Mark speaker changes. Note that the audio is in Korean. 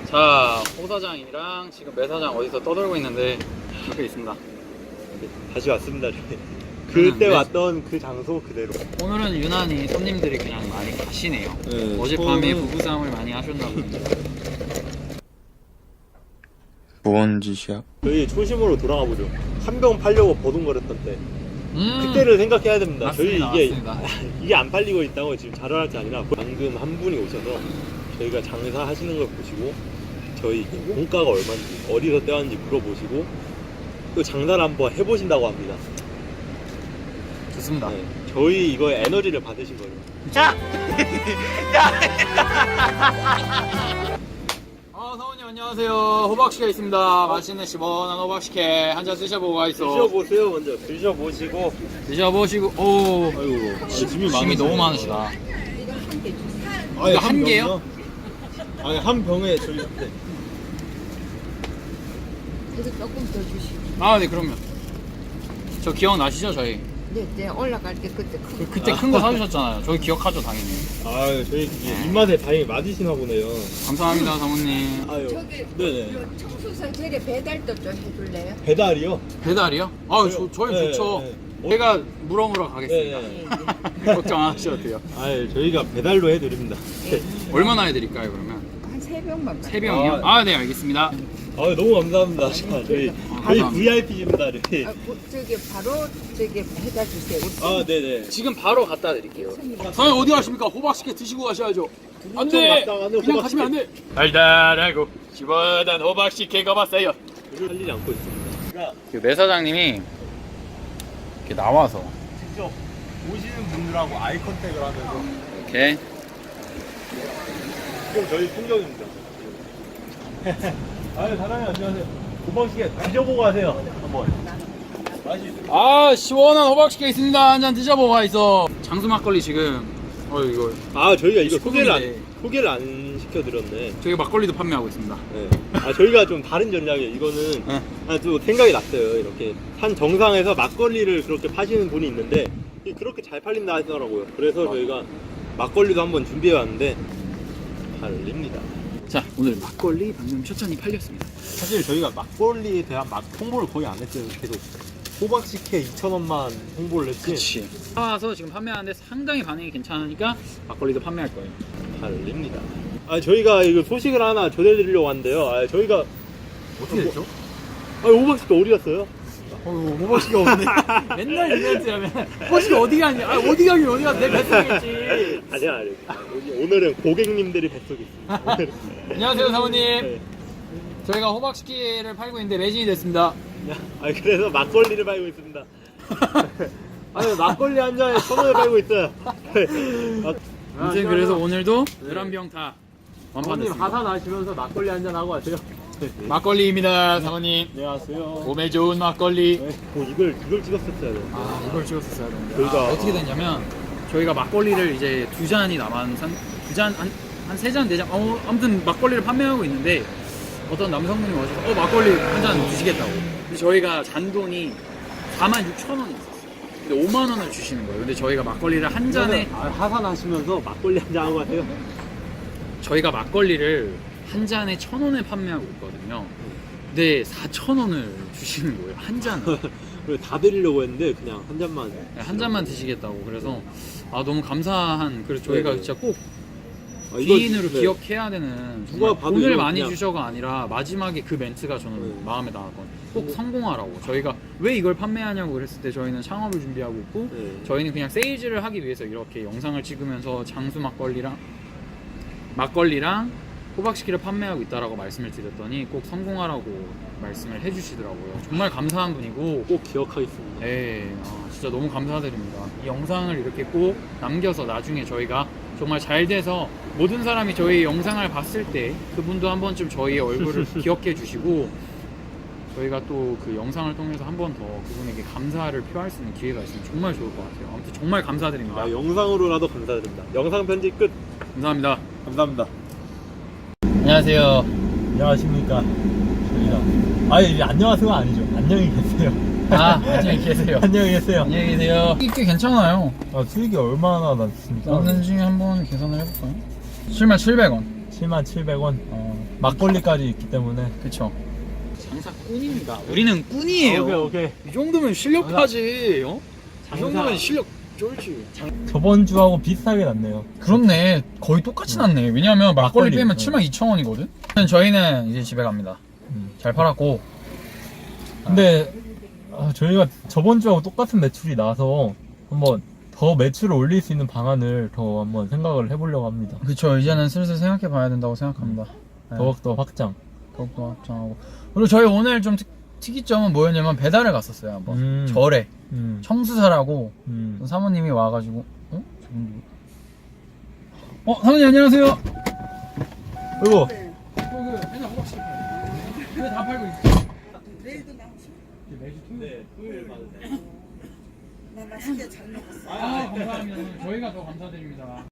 Speaker 1: 자, 호 사장이랑 지금 매 사장 어디서 떠들고 있는데 옆에 있습니다.
Speaker 2: 다시 왔습니다. 그때
Speaker 1: 네.
Speaker 2: 왔던 그 장소 그대로.
Speaker 1: 오늘은 유난히 손님들이 그냥 많이 가시네요.
Speaker 2: 네,
Speaker 1: 어젯밤에
Speaker 2: 저는-
Speaker 1: 부부싸움을 많이 하셨나 봅니다.
Speaker 3: 뭔 짓이야?
Speaker 2: 저희 초심으로 돌아가 보죠. 한 병 팔려고 버둥거렸던 때. 그때를 생각해야 됩니다.
Speaker 1: 맞습니다,
Speaker 2: 저희 이게
Speaker 1: 맞습니다.
Speaker 2: 이게 안 팔리고 있다고 지금 자랑할 게 아니라 방금 한 분이 오셔서 저희가 장사 하시는 걸 보시고 저희 공가가 얼마인지 어디서 떼왔는지 물어보시고 또 장사를 한번 해보신다고 합니다.
Speaker 1: 좋습니다.
Speaker 2: 네, 저희 이거 에너지를 받으신 거예요.
Speaker 1: 사원님 안녕하세요. 호박식에 있습니다. 맛있는 시원한 호박식에 한 잔 드셔보고 가있어.
Speaker 2: 드셔보세요. 먼저 드셔보시고.
Speaker 1: 드셔보시고. 오,
Speaker 2: 아이고
Speaker 1: 짐이 너무 많으시다.
Speaker 2: 아니,
Speaker 1: 이거 한 개요?
Speaker 2: 병이요? 아니 한 병에 저희 네.
Speaker 4: 그래서 조금 더 주시고.
Speaker 1: 아, 네, 그럼요. 저 기억나시죠, 저희?
Speaker 4: 네, 올라갈 때 그때 큰
Speaker 1: 그때 큰 거 사주셨잖아요. 저희 기억하죠, 당연히.
Speaker 2: 아 저희 이게 입맛에 다행히 맞으시나 보네요.
Speaker 1: 감사합니다, 사모님.
Speaker 2: 아유
Speaker 4: 저기
Speaker 2: 네네.
Speaker 4: 요 청소사 저기 배달도 좀 해줄래요?
Speaker 2: 배달이요?
Speaker 1: 배달이요? 아, 저희
Speaker 2: 네,
Speaker 1: 좋죠.
Speaker 2: 네.
Speaker 1: 제가 물어물어 가겠습니다.
Speaker 2: 네.
Speaker 1: 걱정 안 하셔도 돼요.
Speaker 2: 아 저희가 배달로 해드립니다.
Speaker 1: 얼마나 해드릴까요, 그러면?
Speaker 4: 한 3병만.
Speaker 1: 3병이요? 아, 네, 알겠습니다.
Speaker 2: 아 너무 감사합니다. 저희
Speaker 1: 감사합니다.
Speaker 2: VIP입니다. 네.
Speaker 4: 저기 바로 저기 배달 주세요.
Speaker 2: 아 네네.
Speaker 1: 지금 바로 갖다 드릴게요. 사장님 어디 가십니까? 호박식혜 드시고 가셔야죠. 안 돼!
Speaker 2: 갔다 가는
Speaker 1: 그냥
Speaker 2: 호박식혜.
Speaker 1: 가시면 안 돼! 달달하고 시원한 호박식혜가 봤어요.
Speaker 2: 살리지 않고 있습니다. 그러니까
Speaker 1: 매 사장님이 이렇게 나와서
Speaker 2: 직접 오시는 분들하고 아이 컨택을 하면서
Speaker 1: 이렇게
Speaker 2: 지금 저희 풍경입니다. 아유 사장님 안녕하세요. 호박식혜 드셔보고 가세요. 한번. 맛이 있습니다.
Speaker 1: 아, 시원한 호박식혜 있습니다. 한 잔 드셔보고 가 있어. 장수 막걸리 지금 이거
Speaker 2: 아 저희가 이거
Speaker 1: 식품인데.
Speaker 2: 소개를 안 시켜드렸네.
Speaker 1: 저희 막걸리도 판매하고 있습니다.
Speaker 2: 네. 아 저희가 좀 다른 전략이에요. 이거는
Speaker 1: 네.
Speaker 2: 또 생각이 났어요. 이렇게 산 정상에서 막걸리를 그렇게 파시는 분이 있는데 이게 그렇게 잘 팔린다 하더라고요. 그래서 저희가 막걸리도 한번 준비해 왔는데 팔립니다.
Speaker 1: 자, 오늘 막걸리 방금 첫 잔이 팔렸습니다.
Speaker 2: 사실 저희가 막걸리에 대한 막 홍보를 거의 안 했어요. 계속 호박식혜 2,000원만 홍보를 했지.
Speaker 1: 그치. 사와서 지금 판매하는데 상당히 반응이 괜찮으니까 막걸리도 판매할 거예요.
Speaker 2: 팔립니다. 아 저희가 이거 소식을 하나 전해드리려고 하는데요. 아 저희가
Speaker 1: 어떻게 됐죠?
Speaker 2: 아 호박식혜 어디 갔어요?
Speaker 1: 호박식이 없네. 맨날 이벤트라면 호박식이 어디 가니? 아, 어디 가긴 어디 가? 내 뱃속이겠지.
Speaker 2: 아니야. 오늘은 고객님들이 뱃속에 있습니다. 오늘은.
Speaker 1: 안녕하세요, 사모님.
Speaker 2: 네.
Speaker 1: 저희가 호박식기를 팔고 있는데 매진이 됐습니다.
Speaker 2: 아 그래서 막걸리를 팔고 있습니다. 아니 막걸리 한 잔에 1,000원에 팔고 있어요.
Speaker 1: 아무튼 그래서 오늘도 11병 다
Speaker 2: 사모님
Speaker 1: 완판됐습니다.
Speaker 2: 하산 하시면서 막걸리 한 잔 하고 가세요.
Speaker 1: 막걸리입니다, 사모님.
Speaker 2: 안녕하세요.
Speaker 1: 몸에 좋은 막걸리.
Speaker 2: 네. 이걸 찍었었어야 돼.
Speaker 1: 아, 이걸 찍었었어야 되는데.
Speaker 2: 저희가-
Speaker 1: 어떻게 됐냐면 저희가 막걸리를 이제 2잔이 남은 한 3잔, 4잔 아무튼 막걸리를 판매하고 있는데 어떤 남성분이 오셔서 막걸리 한 잔 드시겠다고. 근데 저희가 잔돈이 46,000원이 있었어요. 근데 5만 원을 주시는 거예요. 근데 저희가 막걸리를 한 잔에
Speaker 2: 하산 하시면서 막걸리 한 잔 하고 가세요.
Speaker 1: 저희가 막걸리를 한 잔에 1,000원에 판매하고 있거든요. 근데 4,000원을 주시는 거예요. 한 잔을.
Speaker 2: 그리고 다 드리려고 했는데 그냥 한 잔만.
Speaker 1: 한 잔만 드시겠다고. 그래서 너무 감사한. 그래서 저희가
Speaker 2: 네네.
Speaker 1: 진짜 꼭
Speaker 2: 이거-
Speaker 1: 귀인으로
Speaker 2: 네.
Speaker 1: 기억해야 되는
Speaker 2: 누가 봐도
Speaker 1: 돈을
Speaker 2: 이거
Speaker 1: 많이
Speaker 2: 그냥-
Speaker 1: 주셔가 아니라 마지막에 그 멘트가 저는
Speaker 2: 네.
Speaker 1: 마음에 나왔거든요. 꼭 성공하라고. 저희가 왜 이걸 판매하냐고 그랬을 때 저희는 창업을 준비하고 있고
Speaker 2: 네.
Speaker 1: 저희는 그냥 세일즈를 하기 위해서 이렇게 영상을 찍으면서 장수 막걸리랑 호박식기를 판매하고 있다라고 말씀을 드렸더니 꼭 성공하라고 말씀을 해주시더라고요. 정말 감사한 분이고
Speaker 2: 꼭 기억하겠습니다.
Speaker 1: 네, 진짜 너무 감사드립니다. 이 영상을 이렇게 꼭 남겨서 나중에 저희가 정말 잘 돼서 모든 사람이 저희 영상을 봤을 때 그분도 한 번쯤 저희의 얼굴을 기억해 주시고 저희가 또 그 영상을 통해서 한 번 더 그분에게 감사를 표할 수 있는 기회가 있으면 정말 좋을 것 같아요. 아무튼 정말 감사드립니다.
Speaker 2: 영상으로라도 감사드립니다. 영상 편집 끝.
Speaker 1: 감사합니다.
Speaker 2: 감사합니다.
Speaker 1: 안녕하세요.
Speaker 2: 안녕하십니까. 저희가 이제 안녕하세요 아니죠. 안녕히 계세요.
Speaker 1: 안녕히 계세요.
Speaker 2: 안녕히 계세요.
Speaker 1: 안녕히 계세요. 꽤 괜찮아요.
Speaker 2: 수익이 얼마나 났습니까?
Speaker 1: 나중에 한번 계산을 해볼까요? 77,000원.
Speaker 2: 77,000원. 막걸리까지 있기 때문에.
Speaker 1: 그쵸. 장사 꾼입니다. 우리는 꾼이에요.
Speaker 2: 오케이.
Speaker 1: 이 정도면 실력파지. 어? 이
Speaker 2: 장사.
Speaker 1: 정도면 실력 쫄지.
Speaker 2: 저번 주하고 비슷하게 났네요.
Speaker 1: 그렇네. 거의 똑같이 났네. 왜냐면 막걸리
Speaker 2: 막걸리.
Speaker 1: 빼면 72,000원이거든. 저희는 이제 집에 갑니다. 잘 팔았고.
Speaker 2: 근데 저희가 저번 주하고 똑같은 매출이 나서 한번 더 매출을 올릴 수 있는 방안을 더 한번 생각을 해보려고 합니다.
Speaker 1: 그쵸. 이제는 슬슬 생각해 봐야 된다고 생각합니다. 네.
Speaker 2: 더욱더 확장.
Speaker 1: 더욱더 확장하고. 그리고 저희 오늘 좀 특이점은 뭐였냐면 배달을 갔었어요. 한번. 절에. 청수사라고 사모님이 와가지고 저분 누구? 사모님 안녕하세요.
Speaker 2: 그리고
Speaker 1: 맨날 호박씨 왜다 팔고 있어?
Speaker 4: 내일도 나오시고.
Speaker 1: 매주 토요일.
Speaker 2: 토요일 받으세요.
Speaker 4: 나 맛있게 잘 먹었어.
Speaker 1: 감사합니다. 저희가 더 감사드립니다.